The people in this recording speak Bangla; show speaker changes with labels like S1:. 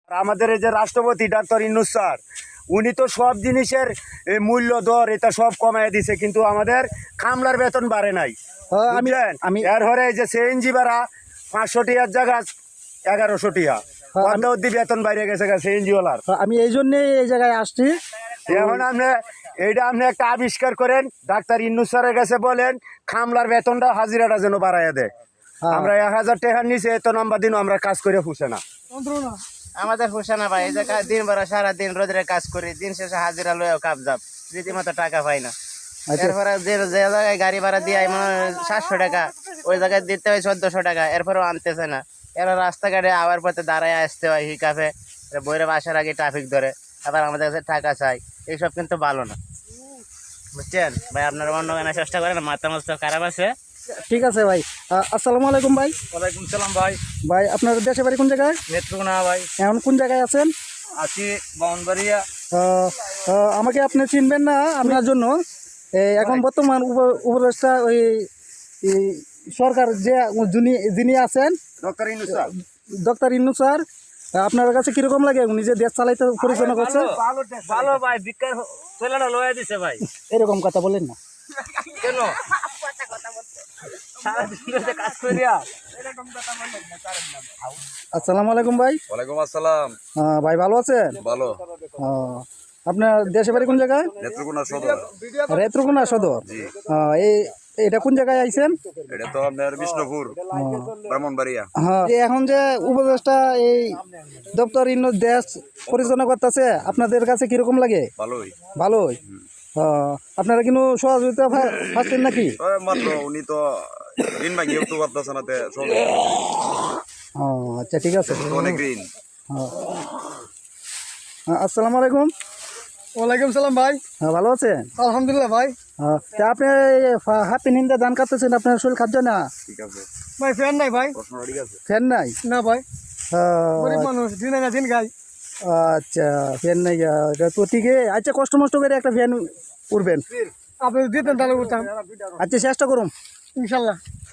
S1: আমাদের এই যে রাষ্ট্রপতি ডাক্তার ইউনূস স্যার, উনি তো সব জিনিসের মূল্য দর এটা সব কমায় দিছে, কিন্তু আমাদের কামলার বেতন বাড়ে নাই।
S2: আমি
S1: এর হরে এই যে সিএনজি ভাড়া 500 টিয়ার জায়গা 1100 টিয়া, অর্ধ বেতন বাইরে গেছে সিএনজি ওয়ালার।
S2: আমি এই জন্যই এই জায়গায় আসছি।
S1: এখন আপনি একটা আবিষ্কার করেন, ডাক্তার ইউনূস স্যারের কাছে বলেন কামলার বেতনটা হাজিরাটা যেন বাড়াইয়া দেয়। আমরা 1000 টাকার নিচে এত নাম্বার দিন আমরা কাজ করে ফুসে না।
S3: আমাদের হোসে না ভাই, এই যে দিন ভরা সারাদিন রোদের কাজ করি, দিন শেষে হাজিরা লয়েও কাপজাপ, রীতিমতো টাকা পাই না। এরপরে যে জায়গায় গাড়ি ভাড়া দিয়ে মানে 700 টাকা, ওই জায়গায় দিতে হয় 1400 টাকা, এরপরেও আনতেছে না। এরা রাস্তাঘাটে আবার পথে দাঁড়ায় আসতে হয় হিকাফে, বইরে বাসার আগে ট্রাফিক ধরে, আবার আমাদের কাছে টাকা চাই। এইসব কিন্তু ভালো না, বুঝছেন ভাই। আপনারা অন্য গানে চেষ্টা করেন, মাথা মাথা খারাপ আছে।
S2: ঠিক আছে ভাই, আসসালামু আলাইকুম ভাই।
S4: ওয়ালাইকুম সালাম ভাই।
S2: ভাই আপনার দেশে বাড়ি কোন জায়গায়?
S4: নেত্রকোনা ভাই।
S2: এখন কোন জায়গায় আছেন?
S4: আছি বাউনবাড়িয়া।
S2: আমাকে আপনি চিনবেন না, আপনার জন্য এখন বর্তমান উপদেষ্টা ওই সরকার যে যিনি আছেন
S1: doctor Yunus sir,
S2: doctor Yunus sir, আপনার কাছে কিরকম লাগে উনি যে দেশ চালাইতে পরিচালনা করছে?
S4: ভালো ভাই, বিজ্ঞান ছেলেটা লয়ে দিছে ভাই।
S2: এরকম কথা বলেন না
S4: কেন? সারাদিন কাজ করিয়া।
S2: আসসালামু আলাইকুম ভাই।
S5: ওয়ালাইকুম আসসালাম।
S2: ভাই ভালো আছেন?
S5: ভালো।
S2: আপনার দেশে বাড়ি কোন জায়গায়?
S5: নেত্রকোনা সদর।
S2: নেত্রকোনা সদর। এটা কোন জায়গায় আইছেন?
S5: এটা তো আপনার বিষ্ণুপুর, ব্রাহ্মণবাড়িয়া।
S2: হ্যাঁ, এখন যে উপদেষ্টা এই ডক্টর ইউনূস দেশ পরিচালনা করতেছে, আপনাদের কাছে কিরকম লাগে?
S5: ভালোই।
S2: ভালোই। আপনারা কিন্তু সহযোগিতা পাচ্ছেন নাকি?
S5: মাত্র উনি তো ঋণ ভাঙিয়ে উঠতে পারতেছে না,
S2: আচ্ছা ঠিক আছে।
S5: অনেক ঋণ।
S2: আসসালামু আলাইকুম।
S4: ওয়ালাইকুম সালাম ভাই।
S2: ভালো আছেন?
S4: আলহামদুলিল্লাহ ভাই।
S2: আপনি হাফ নিন্দা দান করতেছেন, আপনার শরীর খাদ্য না?
S5: ঠিক আছে
S4: ভাই ফ্যান নাই ভাই।
S5: প্রশ্নটা ঠিক আছে।
S2: ফ্যান নাই?
S4: না ভাই, গরিব মানুষ, দিন না দিন গাই।
S2: আচ্ছা ফ্যান নাই, এটা তো ঠিকই। আচ্ছা কষ্ট মষ্ট করে একটা ফ্যান উঠবেন।
S4: আপনি দিতেন তাহলে উঠতাম
S2: আচ্ছা চেষ্টা করুন
S4: ইনশাল্লাহ।